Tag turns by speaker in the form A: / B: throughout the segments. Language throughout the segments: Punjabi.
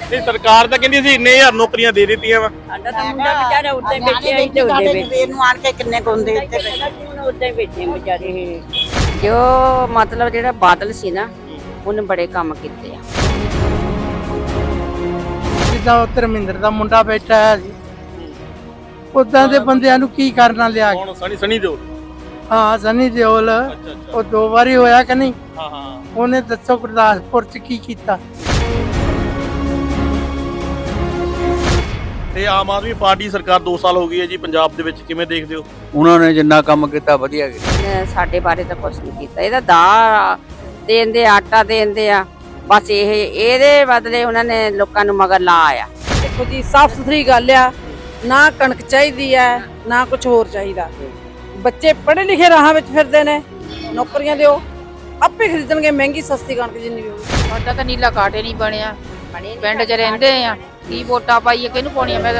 A: ਤੇ ਸਰਕਾਰ ਤਾਂ ਕਹਿੰਦੀ ਸੀ ਇੰਨੇ ਹਜ਼ਾਰ ਨੌਕਰੀਆਂ ਦੇ ਦਿੱਤੀਆਂ ਵਾ।
B: ਸਾਡਾ ਤਾਂ ਮੁੰਡਾ ਵਿਚਾਰਾ ਉੱਤੇ ਬੈਠਿਆ ਹੀ ਤੇ ਉੱਤੇ ਬੈਠੇ
C: ਨੂੰ ਆਣ ਕੇ ਕਿੰਨੇ ਕੁੰਦੇ ਉੱਤੇ
B: ਉੱਤੇ ਬੈਠੇ ਵਿਚਾਰੇ। ਜੋ ਮਤਲਬ ਜਿਹੜਾ ਬਾਦਲ ਸੀ ਨਾ ਉਹਨੇ ਬੜੇ ਕੰਮ ਕੀਤੇ ਆ।
D: ਜਿੱਦਾਂ ਉਹ ਧਰਮਿੰਦਰ ਦਾ ਮੁੰਡਾ ਬੈਠਾ ਹੈ ਜੀ, ਉਦਾਂ ਦੇ ਬੰਦਿਆਂ ਨੂੰ ਕੀ ਕਰਨਾ ਲਿਆ ਕੇ।
A: ਹੁਣ ਸਨੀ ਦਿਓਲ।
D: ਹਾਂ ਸਨੀ ਦਿਓਲ,
A: ਅੱਛਾ ਅੱਛਾ।
D: ਉਹ 2 ਵਾਰੀ ਹੋਇਆ ਕਿ ਨਹੀਂ?
A: ਹਾਂ ਹਾਂ।
D: ਉਹਨੇ ਦੱਸੋ ਗੁਰਦਾਸਪੁਰ ਚ ਕੀ ਕੀਤਾ।
A: ਤੇ ਆਮ ਆਦਮੀ ਪਾਰਟੀ ਸਰਕਾਰ 2 ਸਾਲ ਹੋ ਗਈ ਹੈ ਜੀ ਪੰਜਾਬ ਦੇ ਵਿੱਚ, ਕਿਵੇਂ ਦੇਖਦੇ ਹੋ?
E: ਉਹਨਾਂ ਨੇ ਜਿੰਨਾ ਕੰਮ ਕੀਤਾ ਵਧੀਆ ਕੀਤਾ।
B: ਇਹਨੇ ਸਾਡੇ ਬਾਰੇ ਤਾਂ ਕੁਝ ਨਹੀਂ ਕੀਤਾ। ਇਹਦਾ ਦਾ ਦੇਂਦੇ ਆਟਾ ਦੇਂਦੇ ਆ ਬਸ। ਇਹਦੇ ਬਦਲੇ ਉਹਨਾਂ ਨੇ ਲੋਕਾਂ ਨੂੰ ਮਗਰ ਲਾ ਆਇਆ।
F: ਦੇਖੋ ਜੀ, ਸਾਫ ਸੁਥਰੀ ਗੱਲ ਆ, ਨਾ ਕਣਕ ਚਾਹੀਦੀ ਹੈ ਨਾ ਕੁਝ ਹੋਰ ਚਾਹੀਦਾ। ਬੱਚੇ ਪੜ੍ਹੇ ਲਿਖੇ ਰਾਹਾਂ ਵਿੱਚ ਫਿਰਦੇ ਨੇ, ਨੌਕਰੀਆਂ ਦਿਓ ਆਪੇ ਖਰੀਦਣਗੇ ਮਹਿੰਗੀ ਸਸਤੀ ਕਣਕ ਜਿੰਨੀ ਵੀ ਹੋਵੇ।
G: ਸਾਡਾ ਤਾਂ ਨੀਲਾ ਕਾਟੇ ਨਹੀਂ ਬਣਿਆ, ਪਿੰਡ 'ਚ ਰਹਿੰਦੇ ਆ, ਕੀ ਵੋਟਾਂ ਪਾਈਏ, ਕਿਹਨੂੰ ਪਾਉਣੀਆਂ? ਮੈਂ ਤਾਂ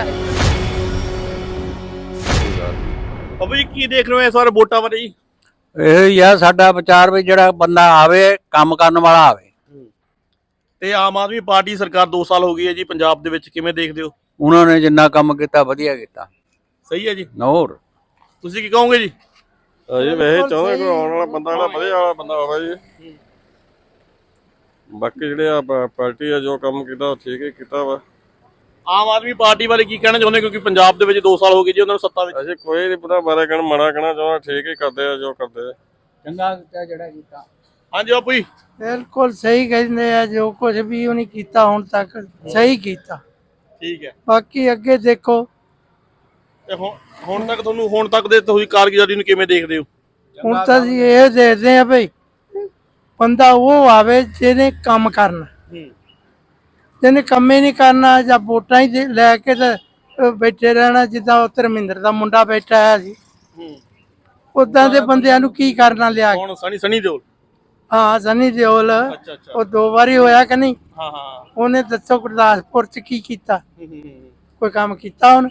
A: ਬਾਬੂ ਜੀ ਕੀ ਦੇਖ ਰਹੇ ਹੋ ਇਸ ਵਾਰ ਵੋਟਾਂ ਬਾਰੇ ਜੀ?
E: ਇਹ ਹੀ ਆ ਸਾਡਾ ਵਿਚਾਰ ਵੀ ਜਿਹੜਾ ਬੰਦਾ ਆਵੇ ਕੰਮ ਕਰਨ ਵਾਲਾ ਆਵੇ।
A: ਤੇ ਆਮ ਆਦਮੀ ਪਾਰਟੀ ਸਰਕਾਰ 2 ਸਾਲ ਹੋ ਗਈ ਹੈ ਜੀ ਪੰਜਾਬ ਦੇ ਵਿੱਚ, ਕਿਵੇਂ ਦੇਖਦੇ ਹੋ?
E: ਉਹਨਾਂ ਨੇ ਜਿੰਨਾ ਕੰਮ ਕੀਤਾ ਵਧੀਆ ਕੀਤਾ।
A: ਸਹੀ ਹੈ ਜੀ।
E: ਹੋਰ
A: ਤੁਸੀਂ ਕੀ ਕਹੋਗੇ ਜੀ?
H: ਜੀ ਵੈਸੇ ਚਾਹੁੰਦੇ ਕੋਈ ਆਉਣ ਵਾਲਾ ਬੰਦਾ ਜਿਹੜਾ ਵਧੀਆ ਵਾਲਾ ਬੰਦਾ ਹੋਵੇ ਜੀ। ਬਾਕੀ ਜਿਹੜੇ ਆ ਪਾਰਟੀ ਆ ਜੋ ਕੰਮ ਕੀਤਾ ਉਹ ਠੀਕ ਹੀ ਕੀਤਾ ਵਾ।
A: ਆਮ ਆਦਮੀ ਪਾਰਟੀ ਬਾਰੇ ਕੀ ਕਹਿਣਾ ਚਾਹੁੰਦੇ, ਕਿਉਂਕਿ ਪੰਜਾਬ ਦੇ ਵਿੱਚ 2 ਸਾਲ ਹੋ ਗਏ ਜੀ ਉਹਨਾਂ ਨੂੰ ਸੱਤਾ ਵਿੱਚ?
H: ਅਸੀਂ ਕੋਈ ਨਹੀਂ ਪਤਾ ਬਾਰੇ ਕਹਿਣਾ ਮਾੜਾ ਕਹਿਣਾ ਚਾਹੁੰਦਾ, ਠੀਕ ਹੀ ਕਰਦੇ ਆ ਜੋ ਕਰਦੇ ਆ।
E: ਚੰਗਾ ਕੀਤਾ ਜਿਹੜਾ ਕੀਤਾ।
A: ਹਾਂਜੀ ਬਾਪੂ ਜੀ।
D: ਬਿਲਕੁਲ ਸਹੀ ਕਹਿੰਦੇ ਆ, ਜੋ ਕੁਝ ਵੀ ਉਹਨੇ ਕੀਤਾ ਹੁਣ ਤੱਕ ਸਹੀ ਕੀਤਾ।
A: ਠੀਕ ਹੈ।
D: ਬਾਕੀ ਅੱਗੇ ਦੇਖੋ।
A: ਤੇ ਹੁਣ ਤੱਕ ਦੇ ਤੁਸੀਂ ਕਾਰਗੁਜ਼ਾਰੀ ਨੂੰ ਕਿਵੇਂ ਦੇਖਦੇ ਹੋ?
D: ਹੁਣ ਤਾਂ ਅਸੀਂ ਇਹ ਦੇਖਦੇ ਆ ਭਈ ਬੰਦਾ ਉਹ ਆਵੇ ਜਿਹਨੇ ਕੰਮ ਕਰਨਾ। ਜਿਹਨੇ ਕੰਮ ਹੀ ਨਹੀਂ ਕਰਨਾ ਜਾਂ ਵੋਟਾਂ ਹੀ ਲੈ ਕੇ ਤੇ ਬੈਠੇ ਰਹਿਣਾ। ਜਿੱਦਾਂ ਉਹ ਧਰਮਿੰਦਰ ਦਾ ਮੁੰਡਾ ਬੈਠਾ ਹੈ ਜੀ, ਉਦਾਂ ਦੇ ਬੰਦਿਆਂ ਨੂੰ ਕੀ ਕਰਨਾ ਲਿਆ ਕੇ।
A: ਹੁਣ ਸਨੀ ਦਿਓਲ।
D: ਹਾਂ ਸਨੀ ਦਿਓਲ,
A: ਅੱਛਾ ਅੱਛਾ।
D: ਉਹ 2 ਵਾਰੀ ਹੋਇਆ ਕਿ ਨਹੀਂ?
A: ਹਾਂ ਹਾਂ।
D: ਉਹਨੇ ਦੱਸੋ ਗੁਰਦਾਸਪੁਰ ਚ ਕੀ ਕੀਤਾ। ਕੋਈ ਕੰਮ ਕੀਤਾ ਉਹਨੇ?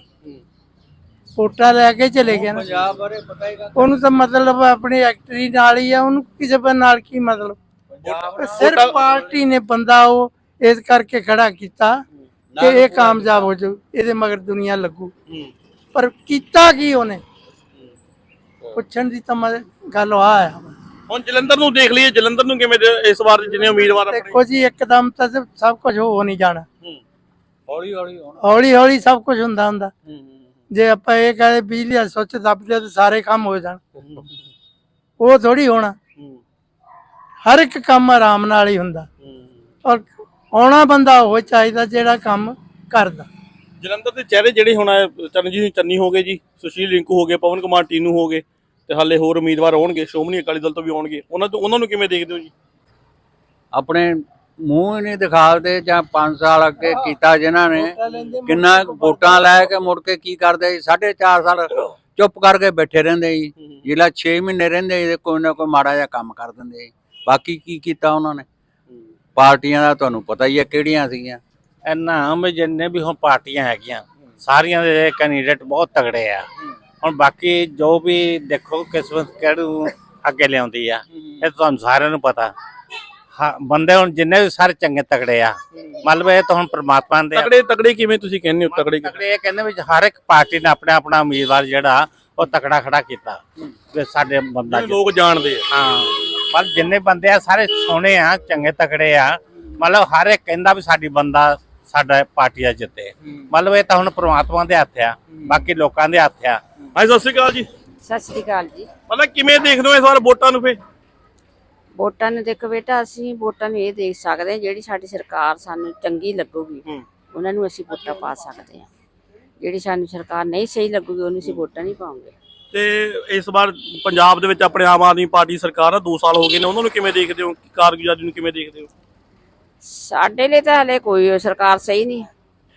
D: ਵੋਟਾਂ ਲੈ ਕੇ ਚਲੇ ਗਿਆ ਨਾ।
E: ਪੰਜਾਬ ਬਾਰੇ ਪਤਾ ਹੀ
D: ਉਹਨੂੰ ਤਾਂ ਮਤਲਬ ਆਪਣੀ ਐਕਟਰੀ ਨਾਲ ਹੀ ਆ, ਉਹਨੂੰ ਕਿਸੇ ਨਾਲ ਕੀ ਮਤਲਬ। ਸਿਰਫ ਪਾਰਟੀ ਨੇ ਬੰਦਾ ਉਹ ਇਸ ਕਰਕੇ ਖੜਾ ਕੀਤਾ ਕਿ ਇਹ ਕਾਮਯਾਬ ਹੋ ਜਾਊ, ਇਹਦੇ ਮਗਰ ਦੁਨੀਆ ਲੱਗੂ। ਪਰ ਕੀਤਾ ਕੀ ਉਹਨੇ? ਪੁੱਛਣ ਦੀ ਤਾਂ ਗੱਲ ਆ।
A: ਹੁਣ ਜਲੰਧਰ ਨੂੰ ਦੇਖ ਲਈਏ, ਜਲੰਧਰ ਨੂੰ ਕਿਵੇਂ ਇਸ ਵਾਰ ਜਿਹਨੇ ਉਮੀਦਵਾਰ ਆਪਣੇ?
D: ਦੇਖੋ ਜੀ, ਇੱਕਦਮ ਤਾਂ ਸਭ ਕੁਝ ਹੋ ਨਹੀਂ ਜਾਣਾ।
E: ਹੌਲੀ ਹੌਲੀ
D: ਹੌਲੀ ਹੌਲੀ ਸਭ ਕੁਝ ਹੁੰਦਾ। ਜੇ ਆਪਾਂ ਇਹ ਕਹੇ ਬਿਜਲੀ ਦਾ ਸੁੱਚ ਦੱਬ ਦਿਓ ਤਾਂ ਸਾਰੇ ਕੰਮ ਹੋ ਜਾਣ, ਉਹ ਥੋੜੀ ਹੋਣਾ। ਹਰ ਇੱਕ ਕੰਮ ਆਰਾਮ ਨਾਲ ਹੀ ਹੁੰਦਾ। ਔਰ ਆਉਣਾ ਬੰਦਾ ਉਹ ਚਾਹੀਦਾ ਜਿਹੜਾ ਕੰਮ ਕਰਦਾ।
A: ਜਲੰਧਰ ਦੇ ਚਿਹਰੇ ਜਿਹੜੇ ਹੁਣ ਚਰਨਜੀਤ ਚੰਨੀ ਹੋ ਗਏ ਜੀ, ਸੁਸ਼ੀਲ ਰਿੰਕੂ ਹੋ ਗਏ, ਪਵਨ ਕੁਮਾਰ ਟੀਨੂ ਹੋ ਗਏ, ਤੇ ਹਾਲੇ ਹੋਰ ਉਮੀਦਵਾਰ ਆਉਣਗੇ, ਸ਼੍ਰੋਮਣੀ ਅਕਾਲੀ ਦਲ ਤੋਂ ਵੀ ਆਉਣਗੇ। ਉਹਨਾਂ ਨੂੰ ਕਿਵੇਂ ਦੇਖਦੇ ਹੋ ਜੀ?
E: ਆਪਣੇ ਮੂੰਹ ਹੀ ਨਹੀਂ ਦਿਖਾਉਂਦੇ। ਜਾਂ 5 ਸਾਲ ਅੱਗੇ ਕੀਤਾ ਜਿਨ੍ਹਾਂ ਨੇ, ਕਿੰਨਾ ਵੋਟਾਂ ਲੈ ਕੇ ਮੁੜ ਕੇ ਕੀ ਕਰਦੇ ਜੀ? 4.5 ਸਾਲ ਚੁੱਪ ਕਰਕੇ ਬੈਠੇ ਰਹਿੰਦੇ ਜੀ। ਜਿਹੜਾ 6 ਮਹੀਨੇ ਰਹਿੰਦੇ ਜੀ ਕੋਈ ਨਾ ਕੋਈ ਮਾੜਾ ਜਿਹਾ ਕੰਮ ਕਰ ਦਿੰਦੇ ਜੀ। ਬਾਕੀ ਕੀ ਕੀਤਾ ਉਹਨਾਂ ਨੇ? ਪਾਰਟੀਆਂ ਦਾ ਤੁਹਾਨੂੰ ਪਤਾ ਹੀ ਹੈ ਕਿਹੜੀਆਂ ਸੀਗੀਆਂ।
I: ਇਹਨਾਂ ਵਿੱਚ ਜਿੰਨੇ ਵੀ ਹੁਣ ਪਾਰਟੀਆਂ ਹੈਗੀਆਂ ਸਾਰੀਆਂ ਦੇ ਕੈਂਡੀਡੇਟ ਬਹੁਤ ਤਗੜੇ ਆ। ਹੁਣ ਬਾਕੀ ਜੋ ਵੀ ਦੇਖੋ ਕਿਸਮਤ ਕਿਹੜੂ ਅੱਗੇ ਲਿਆਉਂਦੀ ਆ, ਇਹ ਤੁਹਾਨੂੰ ਸਾਰਿਆਂ ਨੂੰ ਪਤਾ। ਹਾਂ ਬੰਦੇ ਹੁਣ ਜਿੰਨੇ ਵੀ ਸਾਰੇ ਚੰਗੇ ਤਗੜੇ ਆ, ਮਤਲਬ ਇਹ ਤਾਂ ਹੁਣ ਪ੍ਰਮਾਤਮਾ ਦੇ
A: ਤਗੜੇ ਕਿਵੇਂ ਤੁਸੀਂ ਕਹਿੰਦੇ ਹੋ? ਤਗੜੇ
I: ਇਹ ਕਹਿੰਦੇ ਵੀ ਹਰ ਇੱਕ ਪਾਰਟੀ ਨੇ ਆਪਣਾ ਆਪਣਾ ਉਮੀਦਵਾਰ ਜਿਹੜਾ ਉਹ ਤਕੜਾ ਖੜਾ ਕੀਤਾ ਕਿ ਸਾਡੇ ਬੰਦਾ
A: ਲੋਕ ਜਾਣਦੇ ਆ।
I: ਹਾਂ, ਪਰ ਜਿੰਨੇ ਬੰਦੇ ਆ ਸਾਰੇ ਸੋਹਣੇ ਆ, ਚੰਗੇ ਤਕੜੇ ਆ। ਮਤਲਬ ਹਰ ਇੱਕ ਕਹਿੰਦਾ ਵੀ ਸਾਡੀ ਬੰਦਾ ਸਾਡਾ ਪਾਰਟੀ ਦਾ ਜਿੱਤੇ। ਮਤਲਬ ਇਹ ਤਾਂ ਹੁਣ ਪ੍ਰਮਾਤਮਾ ਦੇ ਹੱਥ ਆ, ਬਾਕੀ ਲੋਕਾਂ ਦੇ ਹੱਥ ਆ।
A: ਹਾਂਜੀ ਸਤਿ ਸ਼੍ਰੀ ਅਕਾਲ ਜੀ।
B: ਸਤਿ ਸ੍ਰੀ ਅਕਾਲ ਜੀ।
A: ਮਤਲਬ ਕਿਵੇਂ ਦੇਖਦੇ ਹੋ ਇਸ ਵਾਰ ਵੋਟਾਂ ਨੂੰ? ਫੇ
B: ਵੋਟਾਂ ਨੂੰ ਦੇਖੋ ਬੇਟਾ, ਅਸੀਂ ਵੋਟਾਂ ਨੂੰ ਇਹ ਦੇਖ ਸਕਦੇ ਹਾਂ ਜਿਹੜੀ ਸਾਡੀ ਸਰਕਾਰ ਸਾਨੂੰ ਚੰਗੀ ਲੱਗੂਗੀ ਉਹਨਾਂ ਨੂੰ ਅਸੀਂ ਵੋਟਾਂ ਪਾ ਸਕਦੇ ਹਾਂ। ਜਿਹੜੀ ਸਾਨੂੰ ਸਰਕਾਰ ਨਹੀਂ ਸਹੀ ਲੱਗੂਗੀ ਉਹਨੂੰ ਅਸੀਂ ਵੋਟਾਂ ਨਹੀਂ ਪਾਉਂਗੇ।
A: ਤੇ ਇਸ ਵਾਰ ਪੰਜਾਬ ਦੇ ਵਿੱਚ ਆਪਣੇ ਆਮ ਆਦਮੀ ਪਾਰਟੀ ਸਰਕਾਰ ਆ, 2 ਸਾਲ ਹੋ ਗਏ ਨੇ, ਉਹਨਾਂ ਨੂੰ ਕਿਵੇਂ ਦੇਖਦੇ ਹੋ? ਕਾਰਗੁਜ਼ਾਰੀ ਨੂੰ ਕਿਵੇਂ ਦੇਖਦੇ ਹੋ?
B: ਸਾਡੇ ਲਈ ਤਾਂ ਹਲੇ ਕੋਈ ਸਰਕਾਰ ਸਹੀ ਨਹੀਂ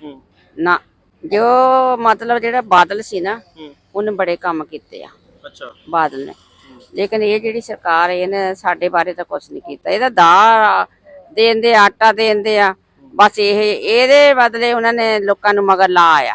B: ਨਾ। ਜੋ ਮਤਲਬ ਜਿਹੜਾ ਬਾਦਲ ਸੀ ਨਾ ਉਹਨੇ ਬੜੇ ਕੰਮ ਕੀਤੇ ਆ।
A: ਅੱਛਾ।
B: ਬਾਦਲ ਨੇ। ਲੇਕਿਨ ਇਹ ਜਿਹੜੀ ਸਰਕਾਰ ਇਹਨੇ ਸਾਡੇ ਬਾਰੇ ਤਾਂ ਕੁਝ ਨਹੀਂ ਕੀਤਾ। ਇਹਦਾ ਦਾ ਦੇਂਦੇ ਆਟਾ ਦੇਂਦੇ ਆ ਬਸ। ਇਹਦੇ ਬਦਲੇ ਉਹਨਾਂ ਨੇ ਲੋਕਾਂ ਨੂੰ ਮਗਰ ਲਾ ਆਇਆ।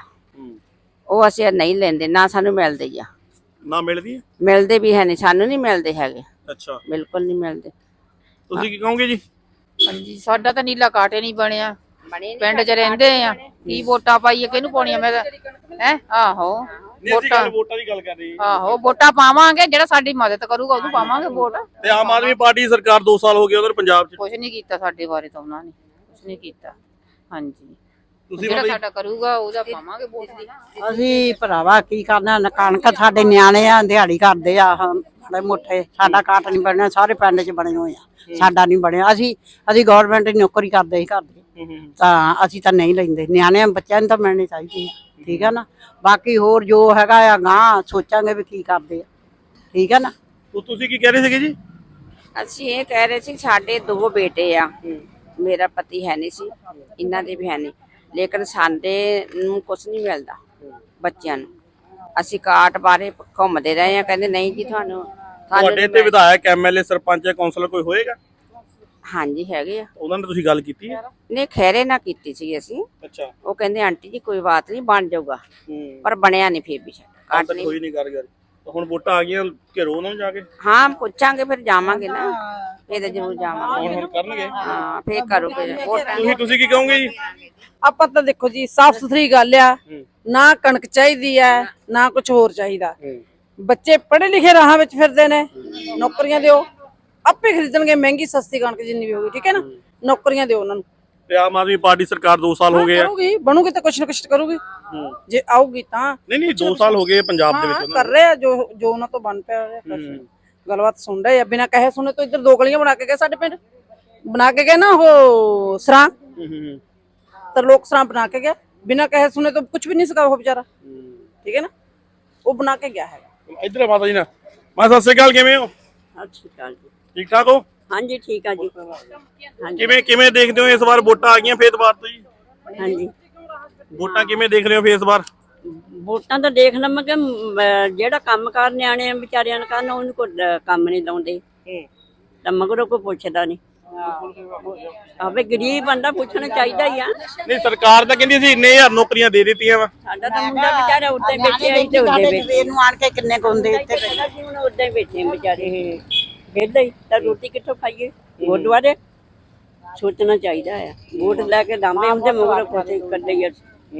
B: ਉਹ ਅਸੀਂ ਨਹੀਂ ਲੈਂਦੇ, ਨਾ ਸਾਨੂੰ ਮਿਲਦੇ ਆ।
A: ਨਾ ਮਿਲਦੀ?
B: ਮਿਲਦੇ ਵੀ ਹੈ ਨਹੀਂ, ਸਾਨੂੰ ਨਹੀਂ ਮਿਲਦੇ ਹੈਗੇ।
A: ਅੱਛਾ।
B: ਬਿਲਕੁਲ ਨਹੀਂ ਮਿਲਦੇ।
A: ਤੁਸੀਂ ਕੀ ਕਹੋਗੇ ਜੀ?
G: ਹਾਂਜੀ, ਸਾਡਾ ਤਾਂ ਨੀਲਾ ਕਾਟੇ ਨਹੀਂ ਬਣਿਆ, ਪਿੰਡ 'ਚ ਰਹਿੰਦੇ ਆ ਕੀ ਵੋਟਾਂ ਪਾਈਏ ਕਿਹਨੂੰ ਪਾਉਣੀਆਂ ਮੈਂ ਹੈ ਆਹੋ
A: ਨਹੀਂ ਅਸੀਂ ਗੱਲ ਵੋਟਾਂ ਦੀ ਗੱਲ ਕਰ ਰਹੇ ਹਾਂ
G: ਆਹੋ ਵੋਟਾਂ ਪਾਵਾਂਗੇ ਜਿਹੜਾ ਸਾਡੀ ਮਦਦ ਕਰੂਗਾ ਉਹਨੂੰ ਪਾਵਾਂਗੇ ਵੋਟ।
A: ਤੇ ਆਮ ਆਦਮੀ ਪਾਰਟੀ ਸਰਕਾਰ 2 ਸਾਲ ਹੋ ਗਏ ਉਧਰ ਪੰਜਾਬ 'ਚ
G: ਕੁਝ ਨਹੀਂ ਕੀਤਾ ਸਾਡੇ ਬਾਰੇ ਤਾਂ ਉਹਨਾਂ ਨੇ ਕੁਝ ਨਹੀਂ ਕੀਤਾ। ਹਾਂਜੀ
A: ਤੁਸੀਂ
G: ਜਿਹੜਾ ਸਾਡਾ ਕਰੂਗਾ ਉਹਦਾ ਪਾਵਾਂਗੇ ਵੋਟ ਦੀ।
F: ਅਸੀਂ ਭਰਾਵਾ ਕੀ ਕਰਨਾ ਕਣਕ ਸਾਡੇ ਨਿਆਣੇ ਆ ਦਿਹਾੜੀ ਕਰਦੇ ਆ ਬੜੇ ਮੋਟੇ ਸਾਡਾ ਕਾਟ ਨਹੀਂ ਬਣਿਆ ਸਾਰੇ ਪਿੰਡ 'ਚ ਬਣੇ ਹੋਏ ਆ ਸਾਡਾ ਨਹੀਂ ਬਣਿਆ। ਅਸੀਂ ਗਵਰਨਮੈਂਟ ਦੀ ਨੌਕਰੀ ਕਰਦੇ ਸੀ ਕਰਦੇ ਤਾਂ ਅਸੀਂ ਤਾਂ ਨਹੀਂ ਲੈਂਦੇ ਨਿਆਣਿਆਂ ਬੱਚਿਆਂ ਨੂੰ ਤਾਂ ਮਿਲਣੀ ਚਾਹੀਦੀ ਆ ਠੀਕ ਆ ਨਾ। ਬਾਕੀ ਹੋਰ ਜੋ ਹੈਗਾ ਆ ਗਾਂ ਸੋਚਾਂਗੇ ਵੀ ਕੀ ਕਰਦੇ ਆ ਠੀਕ ਆ ਨਾ।
A: ਤੁਸੀਂ ਕੀ ਕਹਿ ਰਹੇ ਸੀਗੇ ਜੀ?
B: ਅਸੀਂ ਇਹ ਕਹਿ ਰਹੇ ਸੀ ਸਾਡੇ 2 ਬੇਟੇ ਆ ਮੇਰਾ ਪਤੀ ਹੈ ਨਹੀਂ ਸੀ ਇਹਨਾਂ ਦੇ ਵੀ ਹੈ ਨਹੀਂ ਲੇਕਿਨ ਸਾਡੇ ਨੂੰ ਕੁਝ ਨਹੀਂ ਮਿਲਦਾ ਬੱਚਿਆਂ ਨੂੰ। ਅਸੀਂ ਕਾਰਡ ਬਾਰੇ ਘੁੰਮਦੇ ਰਹੇ ਆ ਕਹਿੰਦੇ ਨਹੀਂ ਜੀ ਤੁਹਾਨੂੰ
A: ਤੁਹਾਡੇ ਤੇ ਵਿਧਾਇਕ ਐਮਐਲਏ ਸਰਪੰਚ ਜਾਂ ਕਾਉਂਸਲਰ ਕੋਈ ਹੋਏਗਾ?
B: ਹਾਂਜੀ ਹੈਗੇ ਆ।
A: ਉਹਨਾਂ ਨੇ ਤੁਸੀਂ ਗੱਲ ਕੀਤੀ ਹੈ?
B: ਨਹੀਂ ਖੈਰੇ ਨਾ ਕੀਤੀ ਸੀ ਅਸੀਂ।
A: ਅੱਛਾ
B: ਉਹ ਕਹਿੰਦੇ ਆਂਟੀ ਜੀ ਕੋਈ ਬਾਤ ਨਹੀਂ ਬਣ ਜਾਊਗਾ ਪਰ ਬਣਿਆ ਨਹੀਂ ਫਿਰ ਵੀ
A: ਕਾਟ ਨਹੀਂ ਹੋਈ ਨਹੀਂ ਕਰ ਹੁਣ ਵੋਟਾਂ ਆ ਗਈਆਂ ਘਿਰੋ ਉਹਨਾਂ ਨੂੰ ਜਾ ਕੇ।
B: ਹਾਂ ਪੁੱਛਾਂਗੇ ਫਿਰ ਜਾਵਾਂਗੇ ਨਾ ਇਹ ਤਾਂ ਜ਼ਰੂਰ ਜਾਵਾਂਗੇ
A: ਹੁਣ ਕਰਨਗੇ
B: ਹਾਂ ਫਿਰ ਕਰੋਗੇ ਵੋਟਾਂ।
A: ਤੁਸੀਂ ਕੀ ਕਹੋਗੇ ਜੀ?
F: ਆਪਾਂ ਤਾਂ ਦੇਖੋ ਜੀ ਸਾਫ ਸੁਥਰੀ ਗੱਲ ਆ ਨਾ ਕਣਕ ਚਾਹੀਦੀ ਹੈ ਨਾ ਕੁਝ ਹੋਰ ਚਾਹੀਦਾ। ਬੱਚੇ ਪੜ੍ਹੇ ਲਿਖੇ ਰਾਹਾਂ ਵਿੱਚ ਫਿਰਦੇ ਨੇ ਨੌਕਰੀਆਂ ਦਿਓ ਆਪੇ ਖਰੀਦਣਗੇ ਮਹਿੰਗੀ ਸਸਤੀ ਕਣਕ ਜਿੰਨੀ ਵੀ ਹੋਊਗੀ ਠੀਕ ਹੈ ਨਾ। ਨੌਕਰੀਆਂ ਦਿਓ ਉਹਨਾਂ ਨੂੰ।
A: ਤੇ ਆਮ ਆਦਮੀ ਪਾਰਟੀ ਸਰਕਾਰ 2 ਸਾਲ ਹੋ ਗਏ ਆ
F: ਕਰੂਗੀ ਬਣੂਗੀ ਤਾਂ ਕੁਛ ਨਾ ਕੁਛ ਕਰੂਗੀ ਜੇ ਆਊਗੀ ਤਾਂ।
A: ਨਹੀਂ 2 ਸਾਲ ਹੋ ਗਏ ਪੰਜਾਬ ਦੇ ਵਿੱਚ
F: ਕਰ ਰਹੇ ਆ ਜੋ ਉਹਨਾਂ ਤੋਂ ਬਣ ਪਿਆ ਗੱਲਬਾਤ ਸੁਣ ਰਹੇ ਆ ਬਿਨਾਂ ਕਹੇ ਸੁਣੇ ਤੋਂ ਇੱਧਰ 2 ਗਲੀਆਂ ਬਣਾ ਕੇ ਗਏ ਸਾਡੇ ਪਿੰਡ ਬਣਾ ਕੇ ਗਏ ਨਾ ਉਹ ਸਰਾਂ ਤਰਲੋਕ ਸਰਾਂ ਬਣਾ ਕੇ ਗਿਆ ਬਿਨਾਂ ਕਹੇ ਸੁਣੇ ਤੋਂ ਕੁਝ ਵੀ ਨਹੀਂ ਸਕਾ ਉਹ ਵਿਚਾਰਾ ਠੀਕ ਹੈ ਨਾ ਉਹ ਬਣਾ ਕੇ ਗਿਆ ਹੈਗਾ।
A: ਇੱਧਰ ਮਾਤਾ ਜੀ ਨਾ ਮੈਂ ਸਤਿ ਸ਼੍ਰੀ ਅਕਾਲ ਕਿਵੇਂ ਹੋ?
B: ਅੱਛੀ ਗੱਲ ਜੀ
A: ਠੀਕ ਠਾਕ ਹੋ?
B: ਹਾਂਜੀ ਠੀਕ ਆ ਜੀ
A: ਕਿਵੇਂ ਦੇਖਦੇ ਹੋ ਇਸ ਵਾਰ ਵੋਟਾਂ ਆ ਗਈਆਂ ਫੇਰ ਵਾਰ ਤੋਂ ਜੀ?
B: ਹਾਂਜੀ
A: ਵੋਟਾਂ ਕਿਵੇਂ ਦੇਖ ਰਹੇ ਹੋ ਫੇਰ ਇਸ ਵਾਰ?
B: ਵੋਟਾਂ ਤਾਂ ਦੇਖ ਲਵਾਂਗੇ ਜਿਹੜਾ ਕੰਮ ਕਾਰ ਨਿਆਣੇ ਵਿਚਾਰਿਆਂ ਨੂੰ ਕਰਨ ਉਹਨੂੰ ਕੋਈ ਕੰਮ ਨਹੀਂ ਲਾਉਂਦੇ ਤਾਂ ਮਗਰੋਂ ਕੋਈ ਪੁੱਛਦਾ ਨਹੀਂ। ਆਵੇ ਗਰੀਬ ਬੰਦਾ ਪੁੱਛਣਾ ਚਾਹੀਦਾ ਹੀ ਆ।
A: ਨਹੀਂ ਸਰਕਾਰ ਤਾਂ ਕਹਿੰਦੀ ਸੀ ਇੰਨੇ ਹਜ਼ਾਰ ਨੌਕਰੀਆਂ ਦੇ ਦਿੱਤੀਆਂ ਵਾ।
B: ਸਾਡਾ ਤਾਂ ਮੁੰਡਾ ਵਿਚਾਰਾ ਉੱਤੇ ਬੈਠੇ ਆਈ ਤੇ ਉੱਤੇ ਬੈਠੇ
F: ਨੂੰ ਆਣ ਕੇ ਕਿੰਨੇ ਕੁੰਦੇ ਇੱਥੇ
B: ਉੱਤੇ ਬੈਠੇ ਵਿਚਾਰੇ ਵਿਹਲੇ ਤਾਂ ਰੋਟੀ ਕਿੱਥੋਂ ਖਾਈਏ। ਗੁਰਦੁਆਰੇ ਸੋਚਣਾ ਚਾਹੀਦਾ ਆ ਵੋਟ ਲੈ ਕੇ ਦਾਂਬੇ ਹੁੰਦੇ ਮਗਰੋਂ ਕੋਈ ਕੱਢੇ ਯਾਰ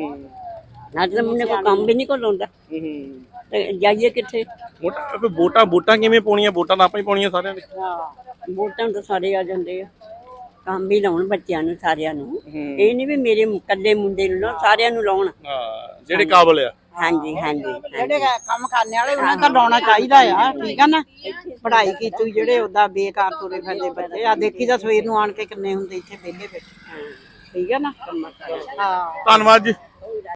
B: ਅੱਜ ਤਾਂ ਮੁੰਡੇ ਕੋਈ ਕੰਮ ਵੀ ਨਹੀਂ ਕੋ ਲਾਉਂਦਾ ਤੇ ਜਾਈਏ ਕਿੱਥੇ।
A: ਵੋਟਾਂ ਕਿਵੇਂ ਪਾਉਣੀਆਂ? ਵੋਟਾਂ ਤਾਂ ਆਪਾਂ ਹੀ ਪਾਉਣੀਆਂ ਸਾਰਿਆਂ ਨੇ।
B: ਵੋਟਾਂ ਤਾਂ ਸਾਰੇ ਆ ਜਾਂਦੇ ਆ ਕੰਮ ਵੀ ਲਾਉਣ ਬੱਚਿਆਂ ਨੂੰ ਸਾਰਿਆਂ ਨੂੰ ਇਹ ਨਹੀਂ ਵੀ ਮੇਰੇ ਇਕੱਲੇ ਮੁੰਡੇ ਨੂੰ ਲਾਉਣ ਸਾਰਿਆਂ ਨੂੰ ਲਾਉਣ
A: ਜਿਹੜੇ ਕਾਬਲ ਆ।
B: ਹਾਂਜੀ ਹਾਂਜੀ
F: ਜਿਹੜੇ ਕੰਮ ਕਰਨੇ ਵਾਲੇ ਉਹਨਾਂ ਦਾ ਲਾਉਣਾ ਚਾਹੀਦਾ ਆ ਠੀਕ ਆ ਨਾ। ਪੜ੍ਹਾਈ ਕੀਤੀ ਜਿਹੜੇ ਉਹਦਾ ਬੇਕਾਰ ਤੁਰੇ ਫਿਰਦੇ ਬੱਚੇ ਆ ਦੇਖੀ ਤਾਂ ਸਵੇਰ ਨੂੰ ਆਣ ਕੇ ਕਿੰਨੇ ਹੁੰਦੇ ਇੱਥੇ ਵਿਹਲੇ ਬੈਠੇ ਠੀਕ ਆ ਨਾ। ਹਾਂ
A: ਧੰਨਵਾਦ ਜੀ।